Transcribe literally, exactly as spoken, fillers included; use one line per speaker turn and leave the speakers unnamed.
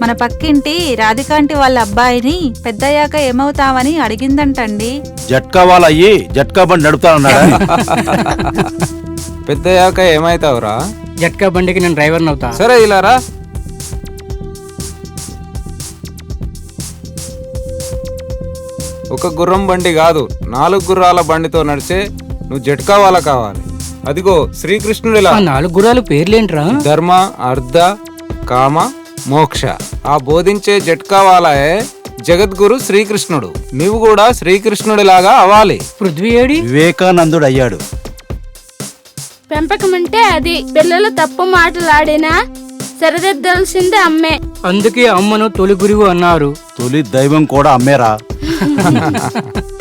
మన పక్కింటి రాధికాంటి వాళ్ళ అబ్బాయిని పెద్దయ్యాక ఏమవుతావని అడిగిందంటండి.
జట్కా వాళ్ళ అయ్యి జట్కా బండి నడుపుతానన్నాడా?
పెద్దయ్యాక ఏమైతావురా?
జట్కా బండికి నేను డ్రైవర్ని అవుతా.
సరే ఇలా రా. ఒక గుర్రం బండి కాదు, నాలుగు గుర్రాల బండితో నడిచే నువ్వు జట్కా వాళ్ళ కావాలి. అదిగో శ్రీకృష్ణుడిలా.
ఆ నాలుగు గుర్రాలు పేర్లేంట్రా?
ధర్మ, అర్ధ, కామ, మోక్ష. ఆ బోధించే జట్కా వాళ్ళే జగద్గురు శ్రీకృష్ణుడు. నువ్వు కూడా శ్రీకృష్ణుడిలాగా అవ్వాలి.
పృథ్వీ ఏడి?
వివేకానందుడు అయ్యాడు.
పెంపకం అంటే అది. పిల్లలు తప్పు మాటలాడినా సరిదిద్దాల్సిందే అమ్మే.
అందుకే అమ్మను తొలి గురువు అన్నారు.
తొలి దైవం కూడా అమ్మేరా.